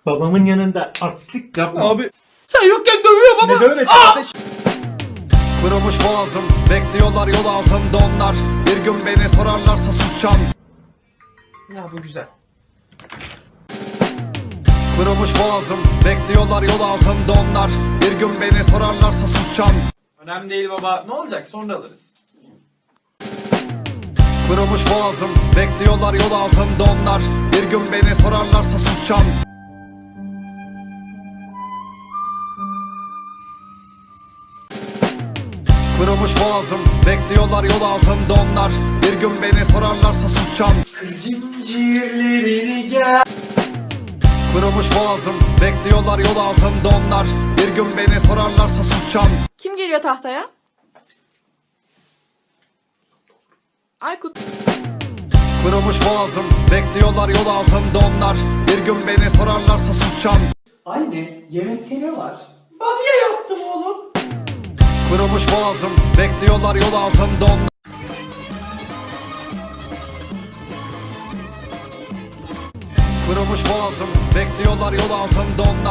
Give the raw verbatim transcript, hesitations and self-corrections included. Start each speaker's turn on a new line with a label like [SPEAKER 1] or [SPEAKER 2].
[SPEAKER 1] Babamın yanında artistlik yapma.
[SPEAKER 2] Abi sen yokken dövüyor baba.
[SPEAKER 1] Ne dövmesi kardeş?
[SPEAKER 3] Kırılmış boğazım, bekliyorlar yol ağzında onlar. Bir gün beni sorarlarsa susacağım.
[SPEAKER 2] Ya bu güzel.
[SPEAKER 3] Kırılmış boğazım, bekliyorlar yol ağzında onlar. Bir gün beni sorarlarsa susacağım.
[SPEAKER 2] Önemli değil baba. Ne olacak? Sonra alırız.
[SPEAKER 3] Kırılmış boğazım, bekliyorlar yol ağzında onlar. Bir gün beni sorarlarsa susacağım. Kırılmış boğazım, bekliyorlar yol ağzında onlar. Bir gün beni sorarlarsa susacağım.
[SPEAKER 2] Zincirlerini gel.
[SPEAKER 3] Kırılmış boğazım, bekliyorlar yol ağzında onlar. Bir gün beni sorarlarsa susacağım.
[SPEAKER 4] Kim geliyor tahtaya? Aykut.
[SPEAKER 3] Kırılmış boğazım, bekliyorlar yol ağzında onlar. Bir gün beni sorarlarsa susacağım.
[SPEAKER 1] Anne, yemekte ne var?
[SPEAKER 2] Bamya yaptım oğlum.
[SPEAKER 3] Kırılmış boğazım, bekliyorlar yol ağzında onlar. Kırılmış boğazım, bekliyorlar yol ağzında onlar.